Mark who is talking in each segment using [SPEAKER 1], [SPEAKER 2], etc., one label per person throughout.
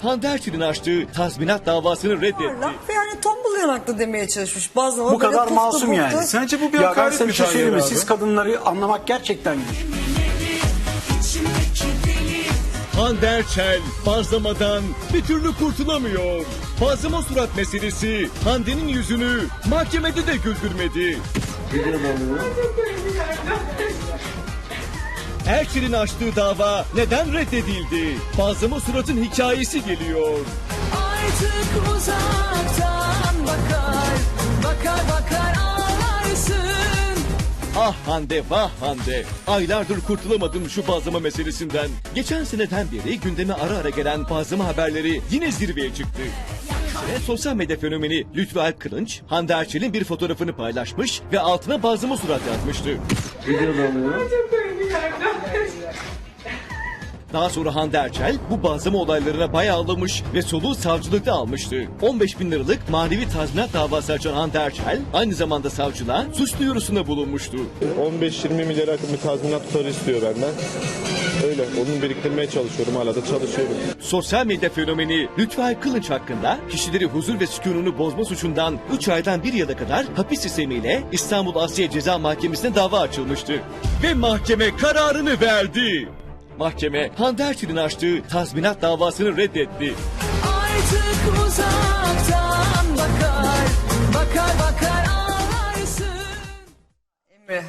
[SPEAKER 1] Hande Erçel'in açtığı tazminat davasını reddetti.
[SPEAKER 2] Ve yani tombul yanaklı demeye çalışmış. Bazlama
[SPEAKER 3] Bu kadar
[SPEAKER 2] böyle
[SPEAKER 3] masum
[SPEAKER 2] puftu
[SPEAKER 3] yani.
[SPEAKER 2] puftu.
[SPEAKER 4] Sence bu bir
[SPEAKER 3] Ya ben
[SPEAKER 4] hakaret
[SPEAKER 3] size
[SPEAKER 4] mi
[SPEAKER 3] bir şey söyleyeyim mi?
[SPEAKER 4] Tahir abi?
[SPEAKER 3] Siz kadınları anlamak gerçekten güç.
[SPEAKER 1] Hande Erçel bazlamadan bir türlü kurtulamıyor. Bazlama surat meselesi Hande'nin yüzünü mahkemede de güldürmedi. Erçel'in açtığı dava neden reddedildi? Bazlama suratın hikayesi geliyor.
[SPEAKER 5] Artık uzaktan bakar ağlarsın.
[SPEAKER 1] Ah Hande vah Hande. Aylardır kurtulamadım şu bazlama meselesinden. Geçen seneden beri gündeme ara ara gelen bazlama haberleri yine zirveye çıktı. Ve sosyal medya fenomeni Lütfü Alp Kılınç, Hande Erçel'in bir fotoğrafını paylaşmış ve altına bazlama surat yazmıştı. Daha sonra Hande Erçel bu bazlama olaylarına bayağı ağlamış ve soluğu savcılıkta almıştı. 15 bin liralık manevi tazminat davası açan Hande Erçel aynı zamanda savcılığa suç duyurusunda bulunmuştu.
[SPEAKER 6] 15-20 milyara yakın bir tazminat tutarı istiyor benden. Öyle, onu biriktirmeye çalışıyorum, hala da çalışıyorum.
[SPEAKER 1] Sosyal medya fenomeni Lütfü Alp Kılınç hakkında kişileri huzur ve sükununu bozma suçundan 3 aydan 1 yıla kadar hapis sistemiyle İstanbul Asliye Ceza Mahkemesi'ne dava açılmıştı. Ve mahkeme kararını verdi. Mahkeme Hande Erçel'in açtığı tazminat davasını reddetti.
[SPEAKER 5] Artık uzaktan bakar ağlarsın.
[SPEAKER 2] Emre,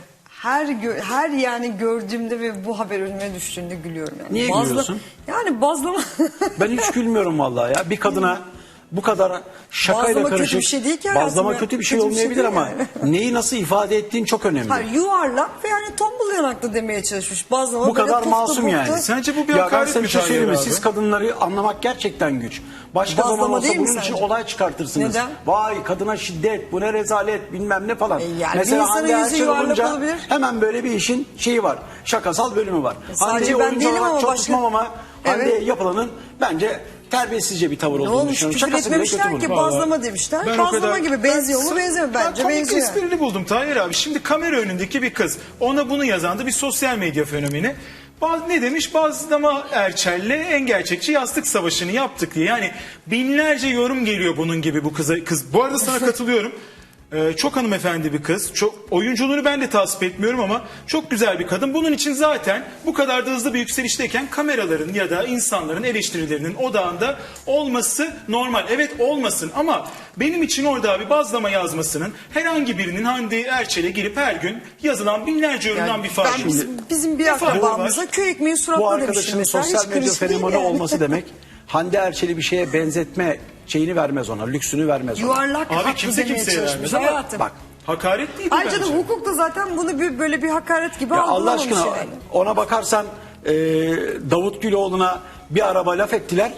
[SPEAKER 2] her yani gördüğümde ve bu haber önüme düştüğünde gülüyorum. Yani.
[SPEAKER 3] Niye gülüyorsun?
[SPEAKER 2] Yani bazlama...
[SPEAKER 3] Ben hiç gülmüyorum vallahi ya. Bir kadına bu kadar şakayla
[SPEAKER 2] Bazlama kötü
[SPEAKER 3] karışık.
[SPEAKER 2] bir şey değil ki hayatım
[SPEAKER 3] Bazlama
[SPEAKER 2] ya.
[SPEAKER 3] kötü bir şey
[SPEAKER 2] Kötü bir şey
[SPEAKER 3] olmayabilir
[SPEAKER 2] değil
[SPEAKER 3] ama
[SPEAKER 2] yani.
[SPEAKER 3] neyi nasıl ifade ettiğin çok önemli.
[SPEAKER 2] Hayır, yuvarlak ve yani tombul yanaklı demeye çalışmış. Bazlama
[SPEAKER 3] Bu
[SPEAKER 2] böyle
[SPEAKER 3] kadar
[SPEAKER 2] puftu
[SPEAKER 3] masum
[SPEAKER 2] puftu.
[SPEAKER 3] yani.
[SPEAKER 4] Sence bu bir
[SPEAKER 3] Ya ben
[SPEAKER 4] hakaret
[SPEAKER 3] size
[SPEAKER 4] mi
[SPEAKER 3] bir şey
[SPEAKER 4] Tahir
[SPEAKER 3] söyleyeyim mi?
[SPEAKER 4] abi?
[SPEAKER 3] Siz kadınları anlamak gerçekten güç. Başka
[SPEAKER 2] Bazlama
[SPEAKER 3] zaman olsa
[SPEAKER 2] değil mi
[SPEAKER 3] bunun için
[SPEAKER 2] sence?
[SPEAKER 3] olay çıkartırsınız.
[SPEAKER 2] Neden?
[SPEAKER 3] Vay kadına şiddet, bu ne rezalet bilmem ne falan.
[SPEAKER 2] Yani bir
[SPEAKER 3] Mesela
[SPEAKER 2] insanın
[SPEAKER 3] Hande
[SPEAKER 2] yüzü
[SPEAKER 3] Erçel
[SPEAKER 2] yuvarlak
[SPEAKER 3] olunca
[SPEAKER 2] olabilir.
[SPEAKER 3] hemen böyle bir işin şeyi var. Şakasal bölümü var.
[SPEAKER 2] Sadece
[SPEAKER 3] Hande'yi
[SPEAKER 2] ben
[SPEAKER 3] oyuncu
[SPEAKER 2] değilim
[SPEAKER 3] olarak
[SPEAKER 2] ama
[SPEAKER 3] çok
[SPEAKER 2] başka-
[SPEAKER 3] tutmam ama
[SPEAKER 2] Evet.
[SPEAKER 3] Hande'ye yapılanın bence terbiyesizce bir tavır
[SPEAKER 2] Ne
[SPEAKER 3] olduğunu
[SPEAKER 2] olmuş,
[SPEAKER 3] düşünüyorum.
[SPEAKER 2] küfür
[SPEAKER 3] Şakası bile kötü
[SPEAKER 2] etmemişler
[SPEAKER 3] bunun.
[SPEAKER 2] ki bazlama demişler.
[SPEAKER 4] Ben o
[SPEAKER 2] Bazlama
[SPEAKER 4] kadar-
[SPEAKER 2] gibi benziyor mu benzemiyor
[SPEAKER 4] Ben
[SPEAKER 2] bence
[SPEAKER 4] komik
[SPEAKER 2] benziyor.
[SPEAKER 4] esprini buldum Tahir abi. Şimdi kamera önündeki bir kız. Ona bunu yazan da bir sosyal medya fenomeni. Ne demiş? Bazlama Erçel'le en gerçekçi yastık savaşını yaptık diye. Yani binlerce yorum geliyor bunun gibi bu kıza. Bu arada sana katılıyorum. Çok hanımefendi bir kız. Çok oyunculuğunu ben de tasvip etmiyorum ama çok güzel bir kadın. Bunun için zaten bu kadar da hızlı bir yükselişteyken kameraların ya da insanların eleştirilerinin odağında olması normal. Evet olmasın ama benim için orada abi bazlama yazmasının herhangi birinin Hande Erçel'e girip her gün yazılan binlerce yorumdan bir farkı
[SPEAKER 2] Ben
[SPEAKER 4] yok.
[SPEAKER 2] bizim bir
[SPEAKER 4] Ne farkı
[SPEAKER 2] akrabamıza
[SPEAKER 4] var?
[SPEAKER 2] köy ekmeği
[SPEAKER 3] Bu
[SPEAKER 2] suratla demiştim
[SPEAKER 3] arkadaşının
[SPEAKER 2] mesela.
[SPEAKER 3] sosyal
[SPEAKER 2] Hiç
[SPEAKER 3] medya
[SPEAKER 2] kritik değil
[SPEAKER 3] fenomeni
[SPEAKER 2] yani.
[SPEAKER 3] olması demek Hande Erçel'i bir şeye benzetme şeyini vermez ona, lüksünü vermez ona.
[SPEAKER 2] Yuvarlak
[SPEAKER 4] Abi
[SPEAKER 2] haklı
[SPEAKER 4] kimse
[SPEAKER 2] demeye
[SPEAKER 4] kimseye
[SPEAKER 2] çalışmış
[SPEAKER 4] vermez ama
[SPEAKER 2] hayatım.
[SPEAKER 3] Bak
[SPEAKER 4] Hakaret değil bu
[SPEAKER 2] Ayrıca da
[SPEAKER 4] bence.
[SPEAKER 2] hukukta zaten bunu böyle bir hakaret gibi
[SPEAKER 3] ya Allah
[SPEAKER 2] algılamamış
[SPEAKER 3] aşkına
[SPEAKER 2] yani.
[SPEAKER 3] ona bakarsan Davut Güloğlu'na bir araba laf ettiler.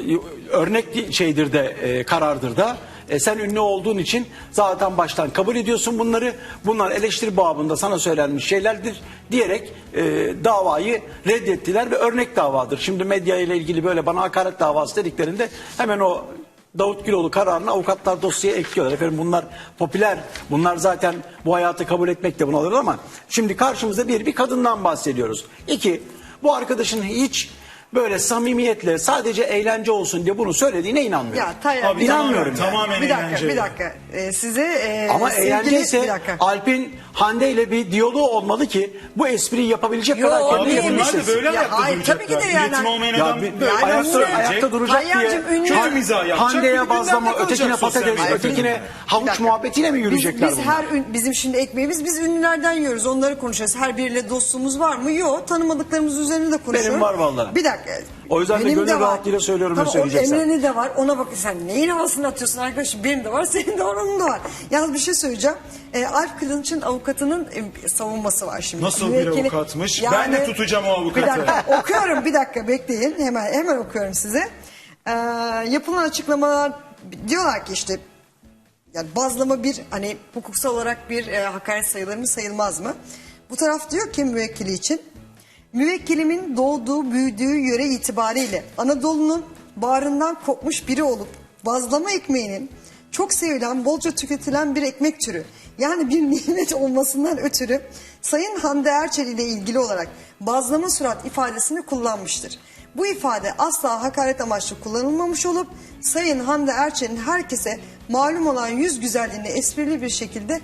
[SPEAKER 3] Örnek şeydir de karardır da. Sen ünlü olduğun için zaten baştan kabul ediyorsun bunları. Bunlar eleştiri babında sana söylenmiş şeylerdir diyerek davayı reddettiler ve örnek davadır. Şimdi medya ile ilgili böyle bana hakaret davası dediklerinde hemen o Davut Güloğlu kararını avukatlar dosyaya ekliyorlar. Efendim bunlar popüler. Bunlar zaten bu hayatı kabul etmek de bunu alır ama şimdi karşımızda bir kadından bahsediyoruz. İki, bu arkadaşın hiç böyle samimiyetle sadece eğlence olsun diye bunu söylediğine inanmıyorum.
[SPEAKER 2] Ya Tayyip
[SPEAKER 4] Abi
[SPEAKER 3] İnanmıyorum
[SPEAKER 4] tamamen
[SPEAKER 2] bir dakika
[SPEAKER 4] eğlence.
[SPEAKER 2] bir dakika. Size
[SPEAKER 3] Ama
[SPEAKER 2] sevgili
[SPEAKER 3] eğlence
[SPEAKER 2] bir
[SPEAKER 3] ise
[SPEAKER 2] dakika.
[SPEAKER 3] Alp'in Hande ile bir diyaloğu olmalı ki bu espriyi yapabilecek
[SPEAKER 2] Yo,
[SPEAKER 3] kadar kendi
[SPEAKER 2] değil.
[SPEAKER 4] Bunlar da
[SPEAKER 3] yapabilsin.
[SPEAKER 4] böyle
[SPEAKER 2] Ya
[SPEAKER 4] ayakta
[SPEAKER 2] hayır,
[SPEAKER 4] duracaklar.
[SPEAKER 2] tabii ki de yani.
[SPEAKER 4] Üretim olmayan
[SPEAKER 3] Ya
[SPEAKER 4] adam
[SPEAKER 3] bir-
[SPEAKER 4] böyle
[SPEAKER 3] ayakta duracak diye
[SPEAKER 2] Tayyar'cığım ünlü-
[SPEAKER 4] kötü mizah yapacak.
[SPEAKER 3] Hande'ye
[SPEAKER 4] bir de gündemde
[SPEAKER 3] bazlama,
[SPEAKER 4] kalacak
[SPEAKER 3] ötekine
[SPEAKER 4] sosyal
[SPEAKER 3] patates,
[SPEAKER 4] medyada.
[SPEAKER 3] ötekine
[SPEAKER 2] Bir
[SPEAKER 3] havuç
[SPEAKER 2] dakika.
[SPEAKER 3] muhabbetiyle mi yürüyecekler
[SPEAKER 2] biz
[SPEAKER 3] bunlar?
[SPEAKER 2] bizim şimdi ekmeğimiz biz ünlülerden yiyoruz. Onları konuşuyoruz. Her biriyle dostluğumuz var mı? Yok. Tanımadıklarımız üzerine de konuşuyoruz.
[SPEAKER 3] Benim var vallahi.
[SPEAKER 2] Bir dakika.
[SPEAKER 3] O yüzden de
[SPEAKER 2] Benim
[SPEAKER 3] gönül
[SPEAKER 2] var.
[SPEAKER 3] rahatlığıyla söylüyorum ne
[SPEAKER 2] Tamam,
[SPEAKER 3] söyleyeceksen.
[SPEAKER 2] Emre'nin de var. Ona bak sen neyin havasını atıyorsun arkadaşım? Benim de var, senin de var, onun da var. Yalnız bir şey söyleyeceğim. Alp Kılınç'ın avukatının savunması var şimdi.
[SPEAKER 4] Nasıl bir avukatmış? Ben de tutacağım o avukatı.
[SPEAKER 2] Bir dakika okuyorum, bir dakika bekleyin. Hemen okuyorum size. Yapılan açıklamalar diyorlar ki işte yani bazlama bir hani hukuksal olarak bir hakaret sayılır mı sayılmaz mı? Bu taraf diyor ki müvekkili için müvekkilimin doğduğu büyüdüğü yöre itibariyle Anadolu'nun bağrından kopmuş biri olup bazlama ekmeğinin çok sevilen bolca tüketilen bir ekmek türü yani bir nimet olmasından ötürü Sayın Hande Erçel ile ilgili olarak bazlama surat ifadesini kullanmıştır. Bu ifade asla hakaret amaçlı kullanılmamış olup Sayın Hande Erçel'in herkese malum olan yüz güzelliğini esprili bir şekilde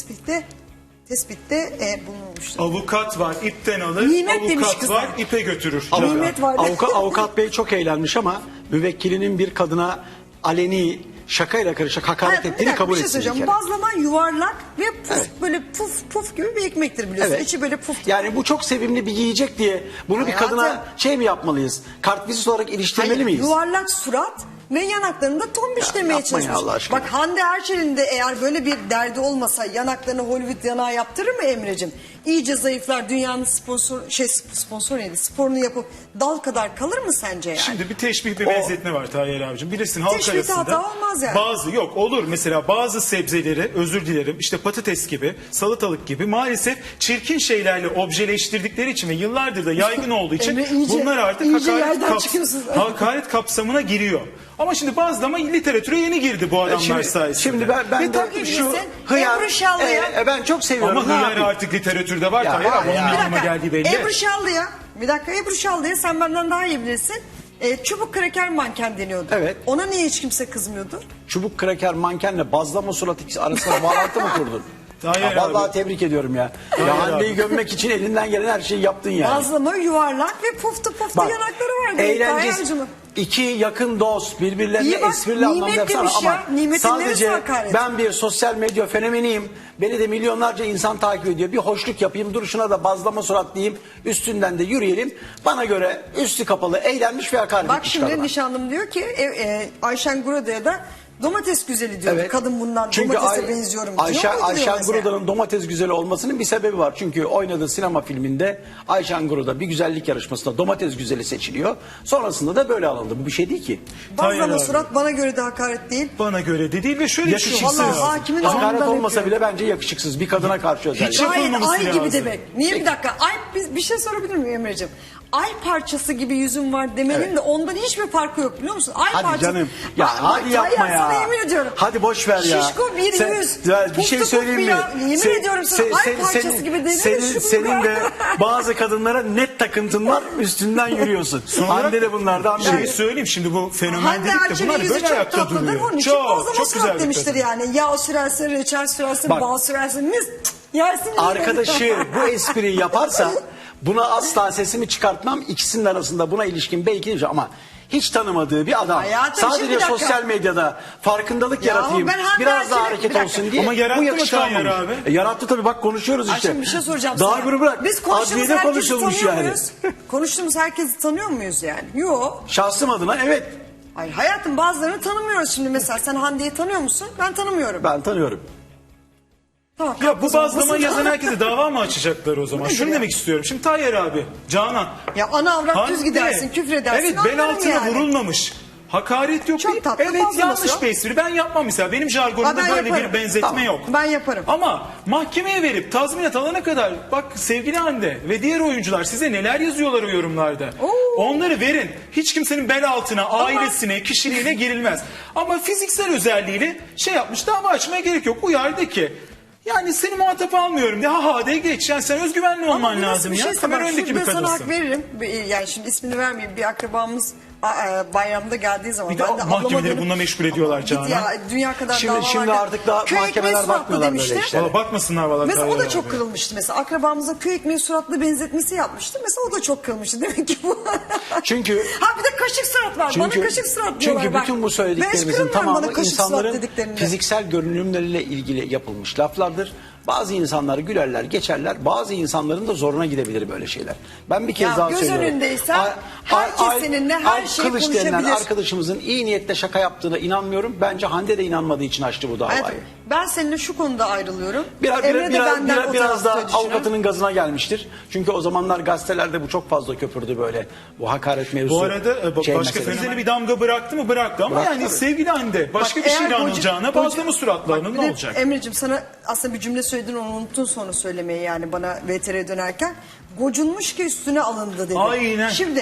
[SPEAKER 2] tespitte bulunmuştur.
[SPEAKER 4] Avukat var, ipten alır.
[SPEAKER 2] Nimet demiş
[SPEAKER 4] Avukat
[SPEAKER 2] kızlar.
[SPEAKER 4] var, ipe götürür.
[SPEAKER 2] Nimet var.
[SPEAKER 3] Avukat bey çok eğlenmiş ama müvekkilinin bir kadına aleni şakayla karışık hakaret
[SPEAKER 2] Hayatım, bir
[SPEAKER 3] ettiğini
[SPEAKER 2] dakika,
[SPEAKER 3] kabul
[SPEAKER 2] bir şey
[SPEAKER 3] etsin. bir
[SPEAKER 2] söyleyeceğim.
[SPEAKER 3] kere.
[SPEAKER 2] Bazlama yuvarlak ve puf,
[SPEAKER 3] Evet.
[SPEAKER 2] böyle puf gibi bir ekmektir biliyorsun.
[SPEAKER 3] Evet.
[SPEAKER 2] İçi böyle puf.
[SPEAKER 3] Yani bu çok sevimli bir yiyecek diye bunu bir
[SPEAKER 2] Hayatım.
[SPEAKER 3] kadına şey mi yapmalıyız? Kartvizit olarak iliştirmeli
[SPEAKER 2] Hayır,
[SPEAKER 3] miyiz?
[SPEAKER 2] yuvarlak surat ve yanaklarında tombişlemeye
[SPEAKER 3] yapmayın
[SPEAKER 2] çalışmış.
[SPEAKER 3] Allah aşkına.
[SPEAKER 2] Bak Hande Erçel'in de eğer böyle bir derdi olmasa yanaklarını Hollywood yanağı yaptırır mı Emre'cim? İyice zayıflar, dünyanın sponsor neydi? Sporunu yapıp dal kadar kalır mı sence yani?
[SPEAKER 4] Şimdi bir teşbih bir benzetme var Tayyar abicim. Bilirsin halk
[SPEAKER 2] Teşbihte
[SPEAKER 4] arasında.
[SPEAKER 2] hata olmaz yani.
[SPEAKER 4] Bazı yok olur mesela bazı sebzeleri özür dilerim işte patates gibi salatalık gibi maalesef çirkin şeylerle objeleştirdikleri için ve yıllardır da yaygın olduğu için
[SPEAKER 2] Emre iyice-
[SPEAKER 4] bunlar artık
[SPEAKER 2] iyice yerden çıkıyorsun.
[SPEAKER 4] hakaret kapsamına giriyor. Ama şimdi bazlama literatüre yeni girdi bu adamlar sayesinde.
[SPEAKER 3] Şimdi ben
[SPEAKER 2] Ve
[SPEAKER 3] de
[SPEAKER 2] tabii
[SPEAKER 3] şu
[SPEAKER 2] bilirsin,
[SPEAKER 3] hıyar,
[SPEAKER 2] Ebru Şallı'ya-
[SPEAKER 3] ben çok seviyorum.
[SPEAKER 4] Ama
[SPEAKER 3] Ne
[SPEAKER 4] hıyar
[SPEAKER 3] yapayım?
[SPEAKER 4] artık literatürde var
[SPEAKER 3] Ya,
[SPEAKER 4] Tayyar abi.
[SPEAKER 3] var ya.
[SPEAKER 4] Onun
[SPEAKER 2] Bir
[SPEAKER 4] anlama
[SPEAKER 2] dakika.
[SPEAKER 4] geldiği belli.
[SPEAKER 2] Ebru Şallı'ya, bir dakika Ebru Şallı'ya sen benden daha iyi bilirsin. Çubuk kraker manken deniyordu.
[SPEAKER 3] Evet.
[SPEAKER 2] Ona niye hiç kimse kızmıyordu?
[SPEAKER 3] Çubuk kraker mankenle bazlama surat ikisi arasında bağlantı mı kurdun?
[SPEAKER 4] Hayır
[SPEAKER 3] Vallahi
[SPEAKER 4] abi.
[SPEAKER 3] tebrik ediyorum ya.
[SPEAKER 4] Hayır
[SPEAKER 3] Ya Hande'yi
[SPEAKER 4] abi.
[SPEAKER 3] gömmek için elinden gelen her şeyi yaptın yani.
[SPEAKER 2] Bazlama yuvarlak ve puftu
[SPEAKER 3] Bak,
[SPEAKER 2] yanakları vardı.
[SPEAKER 3] eğlencesi,
[SPEAKER 2] Tayyar'cığım.
[SPEAKER 3] iki yakın dost birbirlerine
[SPEAKER 2] İyi bak,
[SPEAKER 3] esprili anlamda
[SPEAKER 2] nimet
[SPEAKER 3] yapsana
[SPEAKER 2] demiş
[SPEAKER 3] ama
[SPEAKER 2] ya. Nimetin neresi
[SPEAKER 3] sadece
[SPEAKER 2] hakaret?
[SPEAKER 3] ben bir sosyal medya fenomeniyim. Beni de milyonlarca insan takip ediyor. Bir hoşluk yapayım, duruşuna da bazlama surat diyeyim. Üstünden de yürüyelim. Bana göre üstü kapalı, eğlenmiş ve hakaret
[SPEAKER 2] Bak
[SPEAKER 3] etmiş
[SPEAKER 2] şimdi
[SPEAKER 3] kadına.
[SPEAKER 2] nişanlım diyor ki Ayşen Gurada'ya da domates güzeli diyor.
[SPEAKER 3] Evet.
[SPEAKER 2] Kadın bundan
[SPEAKER 3] Çünkü
[SPEAKER 2] domatese benziyorum diyor.
[SPEAKER 3] Ayşen Guruda'nın domates güzeli olmasının bir sebebi var. Çünkü oynadığı sinema filminde Ayşen Guruda bir güzellik yarışmasında domates güzeli seçiliyor. Sonrasında da böyle alındı. Bu bir şey değil ki.
[SPEAKER 4] Tayyar
[SPEAKER 2] Bazlama
[SPEAKER 4] abi.
[SPEAKER 2] surat bana göre de hakaret değil.
[SPEAKER 4] Bana göre de değil ve şöyle bir şey
[SPEAKER 3] Yakışıksız.
[SPEAKER 2] Vallahi hakimin
[SPEAKER 3] Hakaret
[SPEAKER 2] alnından
[SPEAKER 3] olmasa
[SPEAKER 2] öpüyorum.
[SPEAKER 3] bile bence yakışıksız. Bir kadına karşı özellikle.
[SPEAKER 4] Hiç-
[SPEAKER 2] Gayet
[SPEAKER 4] yapılmaması
[SPEAKER 2] ay gibi
[SPEAKER 4] lazım.
[SPEAKER 2] demek. Niye bir dakika? Ay bir şey sorabilir miyim Emre'ciğim? Ay parçası gibi yüzüm var demenin
[SPEAKER 3] Evet.
[SPEAKER 2] de ondan hiçbir farkı yok biliyor musun? Ay
[SPEAKER 3] Hadi
[SPEAKER 2] parçası.
[SPEAKER 3] canım. Ya
[SPEAKER 2] Ay,
[SPEAKER 3] hadi
[SPEAKER 2] bak,
[SPEAKER 3] yapma
[SPEAKER 2] Tayyar,
[SPEAKER 3] ya.
[SPEAKER 2] Sana yemin ediyorum.
[SPEAKER 3] Hadi boş ver ya.
[SPEAKER 2] Şişko bir
[SPEAKER 3] Sen-
[SPEAKER 2] yüz.
[SPEAKER 3] Ya bir
[SPEAKER 2] Puf
[SPEAKER 3] şey
[SPEAKER 2] puf
[SPEAKER 3] söyleyeyim
[SPEAKER 2] bir
[SPEAKER 3] mi?
[SPEAKER 2] ya. Yemin ediyorum sana ay parçası gibi dedin.
[SPEAKER 3] Senin de bazı kadınlara net takıntın var. Üstünden yürüyorsun. Hande de bunlardan
[SPEAKER 4] Bir şey
[SPEAKER 3] biri.
[SPEAKER 4] söyleyeyim şimdi bu fenomen
[SPEAKER 2] Hande
[SPEAKER 4] dedik de
[SPEAKER 2] Erçel'in
[SPEAKER 4] bunlar
[SPEAKER 2] yüzü
[SPEAKER 4] böyle
[SPEAKER 2] çok
[SPEAKER 4] ayakta
[SPEAKER 2] tatlıdır.
[SPEAKER 4] duruyor.
[SPEAKER 2] Onun için bazlama
[SPEAKER 4] çok
[SPEAKER 2] surat
[SPEAKER 4] güzel bir
[SPEAKER 2] demiştir
[SPEAKER 4] kadın.
[SPEAKER 2] yani. Yağ sürersin, reçel sürersin,
[SPEAKER 3] Bak.
[SPEAKER 2] bal sürersin. Mis yersin.
[SPEAKER 3] Arkadaşı bu espriyi yaparsa buna asla sesimi çıkartmam. İkisinin arasında buna ilişkin belki değil ama hiç tanımadığı bir adam
[SPEAKER 2] Hayatım, şimdi
[SPEAKER 3] sadece
[SPEAKER 2] bir dakika.
[SPEAKER 3] sosyal medyada farkındalık
[SPEAKER 2] Ya
[SPEAKER 3] yaratayım,
[SPEAKER 2] ben Hande
[SPEAKER 3] biraz daha
[SPEAKER 2] Erçel'e-
[SPEAKER 3] hareket
[SPEAKER 2] bir dakika.
[SPEAKER 3] olsun diye
[SPEAKER 4] Ama yarattı
[SPEAKER 3] bu
[SPEAKER 4] mı
[SPEAKER 3] yakıştıramamış.
[SPEAKER 4] Tayyar abi?
[SPEAKER 3] Yarattı tabii, bak konuşuyoruz
[SPEAKER 2] Ay
[SPEAKER 3] işte.
[SPEAKER 2] şimdi bir şey soracağım
[SPEAKER 3] Daha
[SPEAKER 2] sana.
[SPEAKER 3] bunu bırak.
[SPEAKER 2] Biz konuştuğumuz
[SPEAKER 3] Adliyede
[SPEAKER 2] herkesi
[SPEAKER 3] konuşulmuş
[SPEAKER 2] tanıyor
[SPEAKER 3] yani.
[SPEAKER 2] muyuz? Konuştuğumuz herkesi tanıyor muyuz yani? Yok.
[SPEAKER 3] Şahsım adına evet,
[SPEAKER 2] Ay hayatım bazılarını tanımıyoruz şimdi mesela. Sen Hande'yi tanıyor musun? Ben tanımıyorum.
[SPEAKER 3] ben tanıyorum.
[SPEAKER 2] Tamam,
[SPEAKER 4] Ya bu
[SPEAKER 2] o zaman
[SPEAKER 4] bazlama
[SPEAKER 2] basın-
[SPEAKER 4] yazan herkese dava mı açacaklar o zaman?
[SPEAKER 2] Nedir
[SPEAKER 4] Şunu
[SPEAKER 2] ya?
[SPEAKER 4] demek istiyorum. Şimdi Tayyar abi, Canan.
[SPEAKER 2] Ya ana avrat düz
[SPEAKER 4] Hande.
[SPEAKER 2] gidersin, küfür edersin.
[SPEAKER 4] Evet bel
[SPEAKER 2] anlarım
[SPEAKER 4] altına
[SPEAKER 2] yani.
[SPEAKER 4] vurulmamış. Hakaret yok
[SPEAKER 2] Çok
[SPEAKER 4] değil.
[SPEAKER 2] tatlı,
[SPEAKER 4] Evet
[SPEAKER 2] bazlaması
[SPEAKER 4] yanlış
[SPEAKER 2] yok.
[SPEAKER 4] bir espri. Ben yapmam mesela. Benim
[SPEAKER 2] Ha,
[SPEAKER 4] jargonumda
[SPEAKER 2] ben
[SPEAKER 4] böyle
[SPEAKER 2] yaparım.
[SPEAKER 4] bir benzetme
[SPEAKER 2] Tamam,
[SPEAKER 4] yok.
[SPEAKER 2] ben yaparım.
[SPEAKER 4] Ama mahkemeye verip tazminat alana kadar bak sevgili Hande ve diğer oyuncular size neler yazıyorlar o yorumlarda.
[SPEAKER 2] Oo.
[SPEAKER 4] Onları verin. Hiç kimsenin bel altına, ailesine, kişiliğine girilmez. Ama fiziksel özelliğiyle şey yapmış, dava açmaya gerek yok. Uyardı ki yani seni muhatap almıyorum de ha de geç. Yani sen özgüvenli
[SPEAKER 2] Ama
[SPEAKER 4] olman
[SPEAKER 2] nasıl
[SPEAKER 4] lazım
[SPEAKER 2] bir
[SPEAKER 4] ya.
[SPEAKER 2] şeyse
[SPEAKER 4] Kamera
[SPEAKER 2] bak,
[SPEAKER 4] önündeki bir
[SPEAKER 2] şurada sana hak
[SPEAKER 4] kadınsın.
[SPEAKER 2] veririm. Yani şimdi ismini vermeyeyim. Bir akrabamız bayramda geldiği zaman.
[SPEAKER 4] Bir de
[SPEAKER 2] ben de
[SPEAKER 4] mahkemeleri
[SPEAKER 2] ablama dönüp-
[SPEAKER 4] bununla meşgul ediyorlar
[SPEAKER 2] Git
[SPEAKER 4] Canan.
[SPEAKER 2] ya dünya kadar
[SPEAKER 3] Şimdi-
[SPEAKER 2] dava
[SPEAKER 3] şimdi
[SPEAKER 2] var.
[SPEAKER 3] artık daha
[SPEAKER 2] Köy
[SPEAKER 3] mahkemeler
[SPEAKER 2] ekmeği suratlı
[SPEAKER 3] bakmıyorlar böyle
[SPEAKER 2] demişti.
[SPEAKER 3] işlere.
[SPEAKER 4] Valla bakmasınlar valla.
[SPEAKER 2] Mesela o
[SPEAKER 4] Tayyar
[SPEAKER 2] da çok
[SPEAKER 4] abi.
[SPEAKER 2] kırılmıştı mesela. Akrabamıza köy ekmeği suratlı benzetmesi yapmıştı. Mesela o da çok kırılmıştı. Demek ki bu.
[SPEAKER 3] Çünkü-
[SPEAKER 2] Ha bir de kaşık surat var. Bana kaşık surat diyorlar.
[SPEAKER 3] Çünkü
[SPEAKER 2] bak.
[SPEAKER 3] bütün bu
[SPEAKER 2] Ben hiç
[SPEAKER 3] söylediklerimizin
[SPEAKER 2] kırılmıyorum bana
[SPEAKER 3] tamamı
[SPEAKER 2] kaşık surat
[SPEAKER 3] insanların
[SPEAKER 2] dediklerinde.
[SPEAKER 3] fiziksel görünümleriyle ilgili yapılmış laflardır. Bazı insanlar gülerler, geçerler. Bazı insanların da zoruna gidebilir böyle şeyler. Ben bir kez
[SPEAKER 2] Ya
[SPEAKER 3] daha
[SPEAKER 2] göz
[SPEAKER 3] söylüyorum.
[SPEAKER 2] önündeysen herkes seninle her
[SPEAKER 3] Alp
[SPEAKER 2] şeyi
[SPEAKER 3] Kılıç denilen
[SPEAKER 2] konuşabilir.
[SPEAKER 3] arkadaşımızın iyi niyetle şaka yaptığına inanmıyorum. Bence Hande de inanmadığı için açtı bu davayı.
[SPEAKER 2] Hayatım, ben seninle şu konuda ayrılıyorum.
[SPEAKER 3] Biraz,
[SPEAKER 2] Emre de benden o
[SPEAKER 3] biraz
[SPEAKER 2] tarafta
[SPEAKER 3] da
[SPEAKER 2] düşünüyor.
[SPEAKER 3] avukatının gazına gelmiştir. Çünkü o zamanlar gazetelerde bu çok fazla köpürdü böyle. Bu hakaret mevzusu.
[SPEAKER 4] Bu arada
[SPEAKER 3] şey
[SPEAKER 4] başka
[SPEAKER 3] meselesi.
[SPEAKER 4] fenomene bir damga bıraktı mı bıraktı ama
[SPEAKER 3] Bıraktı
[SPEAKER 4] yani
[SPEAKER 3] tabii.
[SPEAKER 4] sevgili Hande başka
[SPEAKER 2] Bak,
[SPEAKER 4] bir
[SPEAKER 2] eğer
[SPEAKER 4] şeyle
[SPEAKER 2] koca-
[SPEAKER 4] anılacağına
[SPEAKER 2] koca-
[SPEAKER 4] bazlama suratlı
[SPEAKER 2] Bak,
[SPEAKER 4] anıl
[SPEAKER 2] bir
[SPEAKER 4] ne
[SPEAKER 2] de
[SPEAKER 4] olacak?
[SPEAKER 2] Emre'cim sana aslında bir cümle söyledin onu unuttun sonra söylemeyi yani bana VTR'ye dönerken. Gocunmuş ki üstüne alındı dedi.
[SPEAKER 4] Aynen.
[SPEAKER 2] Şimdi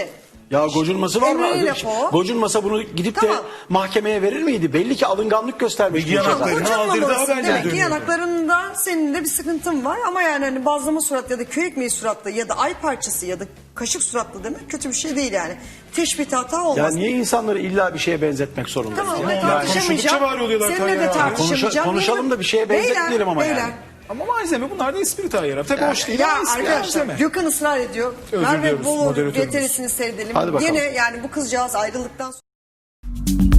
[SPEAKER 3] Ya gocunması var mı?
[SPEAKER 2] Emre'nin lafı o.
[SPEAKER 3] Gocunmasa bunu gidip de
[SPEAKER 2] Tamam.
[SPEAKER 3] mahkemeye verir miydi? Belli ki alınganlık göstermiş.
[SPEAKER 4] Bilgi
[SPEAKER 3] bu çocuk.
[SPEAKER 4] yanakları. Gocunmamalısın. aldırdığı haberler
[SPEAKER 2] Demek ki
[SPEAKER 4] dönüyor.
[SPEAKER 2] yanaklarında senin de bir sıkıntın var ama yani hani bazlama suratlı ya da köy ekmeği suratlı ya da ay parçası ya da kaşık suratlı demek kötü bir şey değil yani. Teşbih hata
[SPEAKER 3] Ya
[SPEAKER 2] olmaz.
[SPEAKER 3] niye insanları illa bir şeye benzetmek zorunda?
[SPEAKER 2] Tamam
[SPEAKER 4] Yani
[SPEAKER 2] ben
[SPEAKER 4] konuştukça
[SPEAKER 2] tartışamayacağım.
[SPEAKER 4] var oluyorlar
[SPEAKER 2] Seninle
[SPEAKER 4] Tayyar
[SPEAKER 2] de
[SPEAKER 4] abi.
[SPEAKER 2] tartışamayacağım.
[SPEAKER 3] Konuşalım da bir şeye benzetmeyelim ama yani.
[SPEAKER 4] Ama malzeme bunlar da espri Tayyar abi. Tabii hoş değil
[SPEAKER 2] Ya
[SPEAKER 4] ama espri
[SPEAKER 2] arkadaşlar
[SPEAKER 4] malzeme.
[SPEAKER 2] Gökhan ısrar ediyor.
[SPEAKER 4] Özür
[SPEAKER 2] Merve
[SPEAKER 4] diliyoruz
[SPEAKER 2] Bolu
[SPEAKER 4] moderatörümüz.
[SPEAKER 2] VTR'sini seyredelim.
[SPEAKER 3] Hadi bakalım.
[SPEAKER 2] Yine yani bu kızcağız ayrıldıktan sonra